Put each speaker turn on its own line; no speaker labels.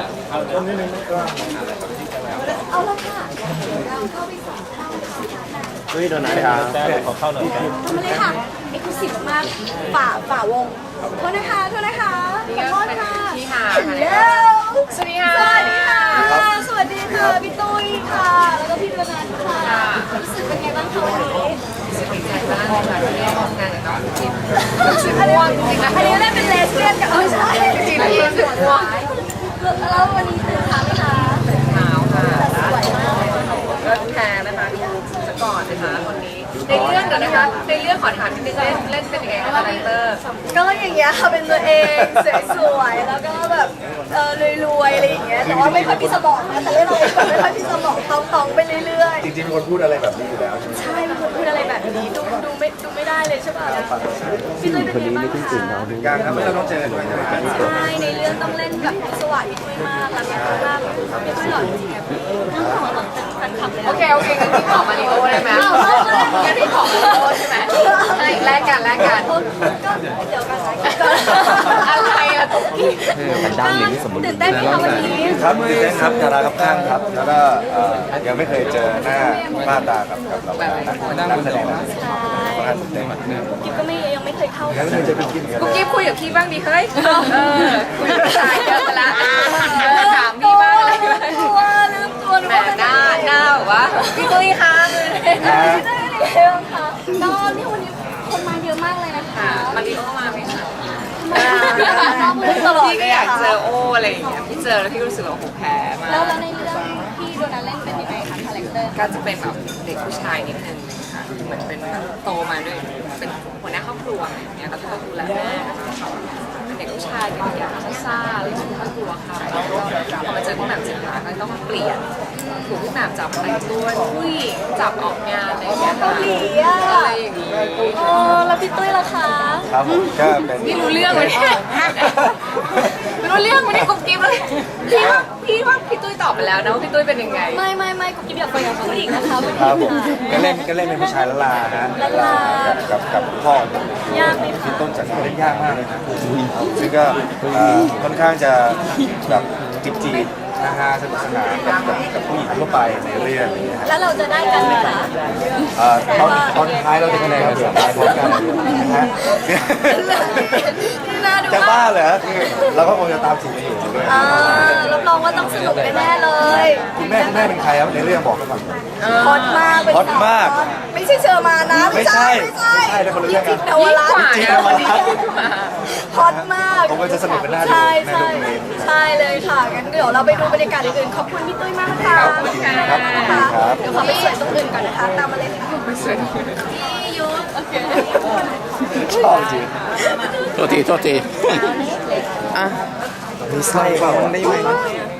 เอาละค่ะเราเข้าไปส่งเข้า
เฮ้ยโดนไหนครับขอเข้าหน่อยครับ
ทำมาเลยค่ะเอกลุศิมากฝ่าวงโทษนะคะขอโทษค่ะ
พี่ค่ะ
ฮัลโหล
สวัสดีค่ะ
สวัสดีค่ะสวัสดีค่ะพี่ตุ้ยค่ะแล้วก็พี่ดวนันท์ค่ะรู้สึกเป็นไงบ้างคะวันนี้
ดีใจมากเลยค่ะที่ได้ร่วมงานกับน้องจิ๊บรู้สึกง่วงจริงๆนะ
อันนี้ได้เป็นเลสเบี้ยนกับไม่ใช่
จริงๆรู้สึกง่วง
แล้ววันนี้ตื่นเช้าไหมคะ
เท้าค่ะ
สวยมากเลย
ก็แพรนะคะดูสก่อนนะคะคนนี้ในเรื่องเดี๋ยวนะคะในเรื่องขอถามนิดนึงเล่นเป็นยังไงคะคาแรคเตอร์
ก็อย่างเงี้ยค่ะเป็นตัวเองสวยๆแล้วก็แบบรวยๆอะไรอย่างเงี้ยแต่ว่าไม่ค่อยมีสมองนะแต่เล่นเราเองแบบไม่ค่อยมีสมองตองๆไปเรื่อยๆ
จริงๆเป็นคนพูดอะไรแบบนี้อยู่แล้วใช่ไหม
ใช่เป็นคนพูดอะไรแบบนี้ดูไม่ได้เลยใช่ป่ะพี่ตุ้ยเป็นไงบ้างคะ
การทำให้เราต้องเจอกันด้วยใช่ไหม
ใช่ในเรื่องต้องเล่นกับพิศวาสพี่ตุ้ยมากรักพี่ตุ้ยมากพี่ตุ้ยหล่อจริงๆอะพี่น้องขอแบบแฟนคลับเลย
โอเคงั้นพี่ขอมาริโอได้ไหมงั้นพี่ขอมาริโอใช่ไหมใช่แลกกัน
ก็เดี๋ยวกันนะก่อน
อะไรอะตุ๊กกี้
ตื่นเต้นไหมคะวันนี้
ครับตื่นเต้นครับดาราครับข้างครับ แล้วก็ยังไม่เคยเจอหน้าตากับนักแสดงค่อนข้างตื่นเต้นมาก
กิ๊บก็ยังไม่เคยเข้า
ยังไม่เคยเจอเป็นกินกัน
กุ๊กกิ๊บคุยกับพี่บ้างดิเฮ้ยคุยกับผู้ชายเยอะไปละถามพี่บ้างอะไรบ้าง
ลืมตัว
แหมหน้าแบบว่าพี่ตุ้ยคะ
ไม่ได้เลยค่ะก็นี่วันนี้คนมาเยอะมากเลยนะคะ
มาริโอมาไหมคะ
ตลอด
พี่
เล
ก็
ย
อยาก
ค่ะ
เจอโออะไรอย่างเงี้ยพี่เจอแล้วพี่รู้สึกว่าโอ้โหแพ้มาก
แล้วในเรื่องพี่โดนัทเล่นเป็นยังไงคะคาแรคเตอร์
ก็จะเป็นแบบเด็กผู้ชายนิดนึงค่ะเหมือนเป็นแบบโตมาด้วยเป็นหัวหน้าครอบครัวอะไรอย่างเงี้ยก็ต้องดูแลแม่ก็จะเป็นเด็กผู้ชายเป็นอย่างซ่าๆอะไรอย่างเงี้ยไม่กลัวใครแล้วก็พอมาเจอพี่แหม่มจิตราก็ต้องเปลี่ยนถูกพี่แหม่มจับแต่งตัวผู้หญิงจับออกงานอะไรอย่างเงี้ยค่ะ
เกาหลีอ่ะ
อะไรอย่างงี้
โอ้แล้วพี่ตุ้ยล่ะคะ
ครับผมก็เป็น
นี่รู้เรื่องไหมเนี่ยไม่รู้เรื่องไหมเนี่ยกุ๊กกิ๊บเลยพี่ว่าพี่ตุ้ยตอบไปแล้วนะว่าพี่ตุ้ยเป็นยังไง
ไม่กุ๊กกิ๊บอยากไปกับผู้หญิงนะคะวัน
ครับผ
นี้
มก็เล่นเป็นผู้ชายละลาฮะกับพ่อย
ากไหมคะ
พี่ต้นจัดเล่นยากมากเลยนะซึ่งก็ค่อนข้างจะแบบจีบนะฮะสนุกสนานกับผู้หญิงทั่วไปในเรื่องนี้ฮะ
แล้วเราจะได้กันไหมคะ
ตอนท้ายเราจะคะแนนกันสุดท้ายพร้อมกันนะฮะ
น่าดู
จะ
มา
บ้าก เหรอคือเราก็คงจะตามจีบอยู่ด้วย
รับรองว่าต้องสนุกแน่ๆเลย
คุณแม่เป็นใครครับในเรื่องบอกกันก่อน
ฮอตมากเป็น
ฮอตมาก
ไม่ใช่เชอร์มานะ
ไม่ใช่แต่คนละเรื่องกัน
จิ๊บนวรัตน์
จริงๆ
วันนี้
ฮอตมาก
ผมก็จะสนุกกันหน้าดู
ใช่
แม่ดูเอง
ใช่เลยค่ะงั้นเดี๋ยวเราไปดูบรรยากาศอื่นๆขอบคุณพี่ตุ้ยมากค่ะ
ครับครับ
นะคะเดี๋ยวขอไปสวยตรงอื่นก่อนนะคะตามมาเลยค่ะพี่ยุทธโอเค
ชอบจริง
โทษทีอ่ะ
มีไส้เปล่าได้ไหม